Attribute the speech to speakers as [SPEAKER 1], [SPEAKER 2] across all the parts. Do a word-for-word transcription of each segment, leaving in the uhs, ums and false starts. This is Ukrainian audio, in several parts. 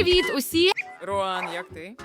[SPEAKER 1] Привіт усі!
[SPEAKER 2] Руан, як ти?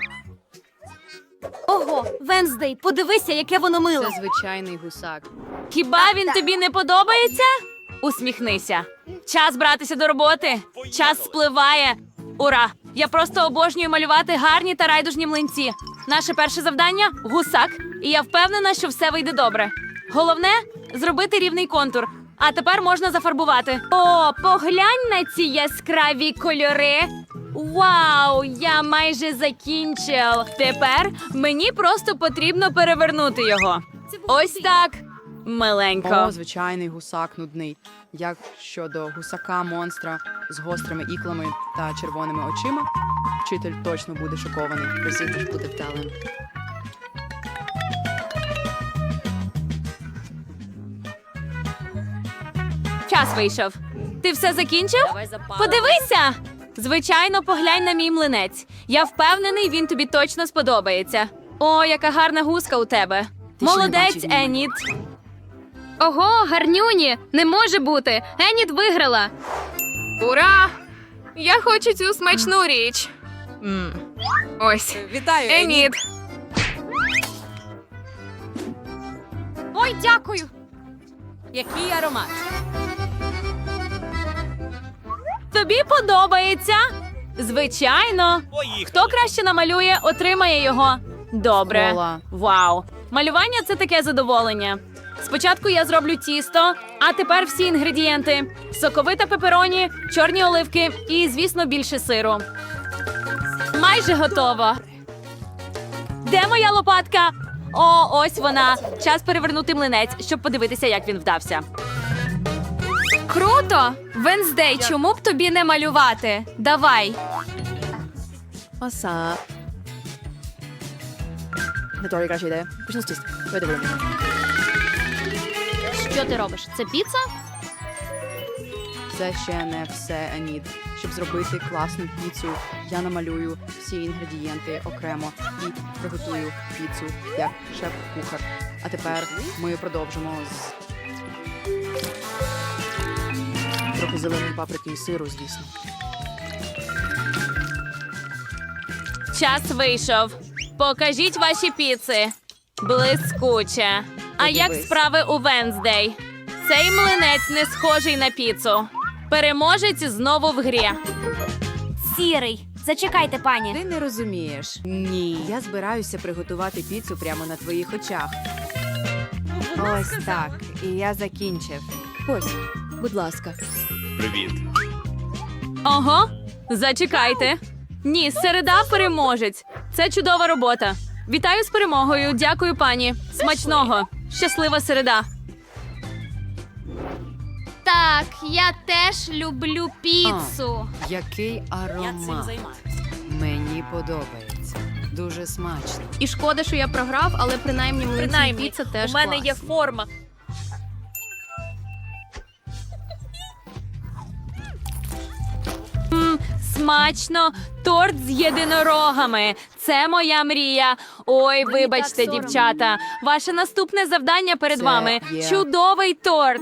[SPEAKER 3] Ого, Венздей, подивися, яке воно миле.
[SPEAKER 1] Це звичайний гусак.
[SPEAKER 3] Хіба він тобі не подобається? Усміхнися. Час братися до роботи. Час спливає. Ура! Я просто обожнюю малювати гарні та райдужні млинці. Наше перше завдання – гусак. І я впевнена, що все вийде добре. Головне – зробити рівний контур. А тепер можна зафарбувати. О, поглянь на ці яскраві кольори. Вау, я майже закінчив. Тепер мені просто потрібно перевернути його. Ось так. Миленько.
[SPEAKER 1] О, звичайний гусак нудний. Як щодо гусака-монстра з гострими іклами та червоними очима, вчитель точно буде шокований. Просіть бути вдалим.
[SPEAKER 3] Час вийшов. Ти все закінчив? Подивися! Звичайно, поглянь на мій млинець. Я впевнений, він тобі точно сподобається. О, яка гарна гуска у тебе.
[SPEAKER 1] Ти ще не
[SPEAKER 3] Молодець,
[SPEAKER 1] бачив її?
[SPEAKER 3] Еніт.
[SPEAKER 4] Ого, гарнюні! Не може бути! Еніт виграла!
[SPEAKER 5] Ура! Я хочу цю смачну річ. М. Ось.
[SPEAKER 2] Вітаю,
[SPEAKER 5] Еніт.
[SPEAKER 3] Ой, дякую. Який аромат. Тобі подобається? Звичайно. Хто краще намалює, отримає його. Добре.
[SPEAKER 1] Кола.
[SPEAKER 3] Вау. Малювання – це таке задоволення. Спочатку я зроблю тісто, а тепер всі інгредієнти. Соковита пепероні, чорні оливки і, звісно, більше сиру. Майже готово. Де моя лопатка? О, ось вона. Час перевернути млинець, щоб подивитися, як він вдався.
[SPEAKER 4] Круто! Венздей, чому б тобі не малювати? Давай!
[SPEAKER 1] Оса. Не торі краща ідея. Почну з тіста. Видивимо.
[SPEAKER 3] Що ти робиш? Це піца?
[SPEAKER 1] Це ще не все, Еніт. Щоб зробити класну піцу, я намалюю всі інгредієнти окремо і приготую піцу як шеф-кухар. А тепер ми продовжимо з трохи зеленої паприки і сиру, звісно.
[SPEAKER 3] Час вийшов. Покажіть ваші піци. Блискуче. А як
[SPEAKER 1] Подивись.
[SPEAKER 3] справи у Венздей? Цей млинець не схожий на піцу. Переможець знову в грі.
[SPEAKER 6] Сірий. Зачекайте, пані.
[SPEAKER 7] Ти не розумієш.
[SPEAKER 1] Ні.
[SPEAKER 7] Я збираюся приготувати піцу прямо на твоїх очах. Ось так. І я закінчив.
[SPEAKER 1] Ось, будь ласка.
[SPEAKER 2] Привіт.
[SPEAKER 3] Ого, зачекайте. Ні, середа переможець. Це чудова робота. Вітаю з перемогою. Дякую, пані. Смачного. Щаслива середа.
[SPEAKER 4] Так, я теж люблю піцу.
[SPEAKER 7] Який аромат. Мені подобається. Дуже смачно.
[SPEAKER 4] І шкода, що я програв, але принаймні млинці і піца теж
[SPEAKER 3] у мене
[SPEAKER 4] клас.
[SPEAKER 3] є форма. М, смачно. Торт з єдинорогами. Це моя мрія. Ой, вибачте, дівчата. Ваше наступне завдання перед
[SPEAKER 1] Це
[SPEAKER 3] вами.
[SPEAKER 1] є.
[SPEAKER 3] Чудовий торт.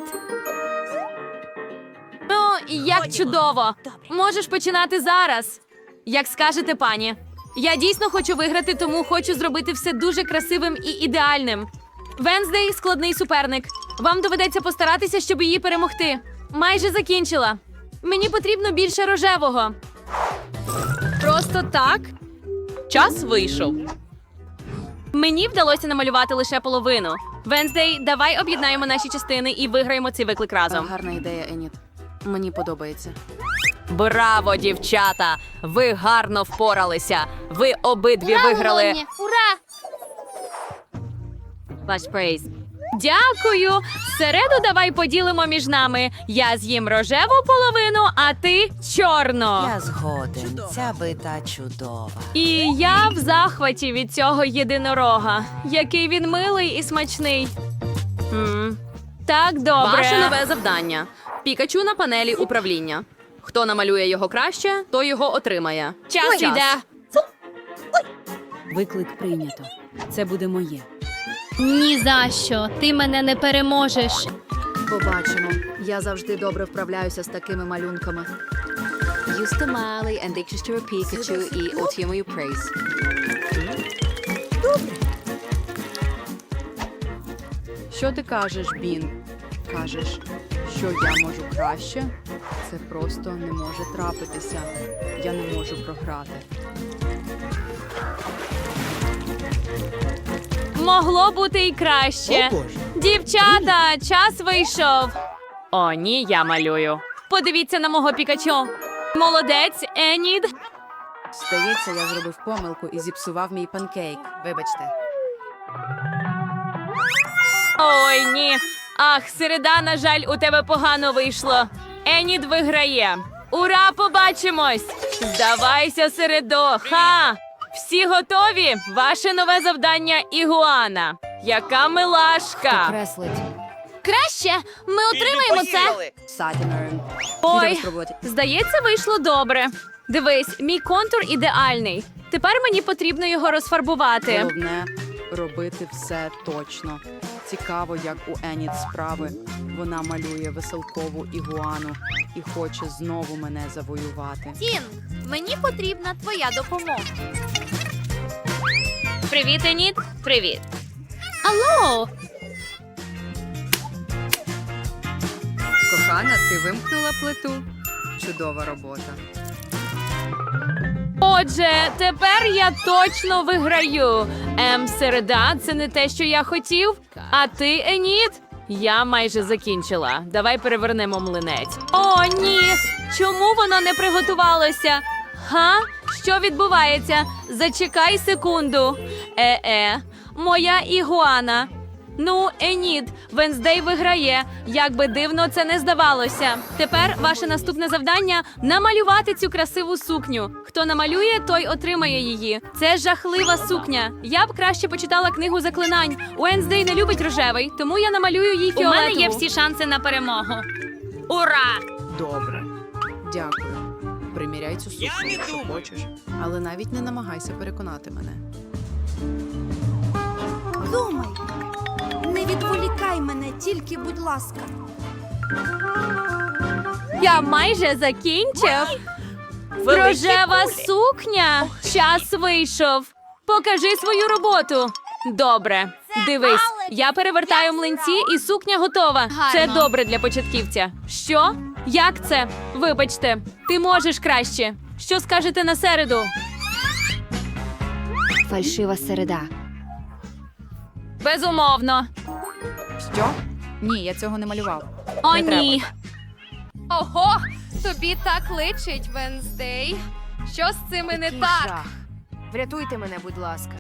[SPEAKER 3] Ну, як чудово. Можеш починати зараз. Як скажете, пані. Я дійсно хочу виграти, тому хочу зробити все дуже красивим і ідеальним. Венздей – складний суперник. Вам доведеться постаратися, щоб її перемогти. Майже закінчила. Мені потрібно більше рожевого. Просто так? Час вийшов. Мені вдалося намалювати лише половину. Венздей, давай об'єднаємо наші частини і виграємо цей виклик разом.
[SPEAKER 1] Гарна ідея, Еніт. Мені подобається.
[SPEAKER 3] Браво, дівчата! Ви гарно впоралися. Ви обидві виграли.
[SPEAKER 4] Ура!
[SPEAKER 3] Ваш прейз. Дякую. Середу давай поділимо між нами. Я з'їм рожеву половину, а ти чорну.
[SPEAKER 7] Я згоден. Ця бита чудова.
[SPEAKER 3] І я в захваті від цього єдинорога. Який він милий і смачний. М. Так, добре.
[SPEAKER 8] Ваше нове завдання. Пікачу на панелі управління. Хто намалює його краще, той його отримає.
[SPEAKER 3] Час іде.
[SPEAKER 7] Виклик прийнято. Це буде моє.
[SPEAKER 4] Ні за що. Ти мене не переможеш.
[SPEAKER 1] Побачимо. Я завжди добре вправляюся з такими малюнками.
[SPEAKER 7] Даю стамали, ендикчищу Пікачу і отримую приз.
[SPEAKER 1] Що ти кажеш, Бін? Кажеш, що я можу краще? Це просто не може трапитися. Я не можу програти.
[SPEAKER 3] Могло бути і краще. Дівчата, час вийшов. О, ні, я малюю. Подивіться на мого Пікачу. Молодець, Енід.
[SPEAKER 1] Здається, я зробив помилку і зіпсував мій панкейк. Вибачте.
[SPEAKER 3] Ой, ні. Ах, середа, на жаль, у тебе погано вийшло. Енід виграє. Ура, побачимось! Здавайся, середо. Ха! Всі готові? Ваше нове завдання – ігуана. Яка милашка!
[SPEAKER 6] Креслить. Краще, ми отримаємо це.
[SPEAKER 1] Сатінерн.
[SPEAKER 3] Ой, здається, вийшло добре. Дивись, мій контур ідеальний. Тепер мені потрібно його розфарбувати.
[SPEAKER 1] Головне – робити все точно. Цікаво, як у Еніт справи. Вона малює веселкову ігуану і хоче знову мене завоювати.
[SPEAKER 6] Тін, мені потрібна твоя допомога.
[SPEAKER 3] Привіт, Енід. Привіт.
[SPEAKER 4] Алло!
[SPEAKER 7] Кохана, ти вимкнула плиту? Чудова робота.
[SPEAKER 3] Отже, тепер я точно виграю. Ем, середа, це не те, що я хотів. А ти, Енід? Я майже закінчила. Давай перевернемо млинець. О, ні! Чому воно не приготувалося? Га? Що відбувається? Зачекай секунду. Е-е, моя ігуана. Ну, Енід, Венздей виграє. Як би дивно це не здавалося. Тепер ваше наступне завдання – намалювати цю красиву сукню. Хто намалює, той отримає її. Це жахлива сукня. Я б краще почитала книгу заклинань. Уенздей не любить рожевий, тому я намалюю їй
[SPEAKER 4] У
[SPEAKER 3] фіолетову.
[SPEAKER 4] мене є всі шанси на перемогу. Ура!
[SPEAKER 1] Добре. Дякую. Приміряй цю сукню, якщо хочеш. Але навіть не намагайся переконати мене.
[SPEAKER 6] Думай. Не відволікай мене, тільки, будь ласка.
[SPEAKER 3] Я майже закінчив. Рожева сукня. Час вийшов. Покажи свою роботу. Добре. Дивись, я перевертаю млинці і сукня готова. Це добре для початківця. Що? Як це? Вибачте, ти можеш краще. Що скажете на середу?
[SPEAKER 6] Фальшива середа.
[SPEAKER 3] Безумовно.
[SPEAKER 1] Що? Ні, я цього не малював.
[SPEAKER 3] О,
[SPEAKER 1] Не треба.
[SPEAKER 3] ні.
[SPEAKER 5] Ого, тобі так личить, Венздей. Що з цими не так?
[SPEAKER 7] Врятуйте мене, будь ласка.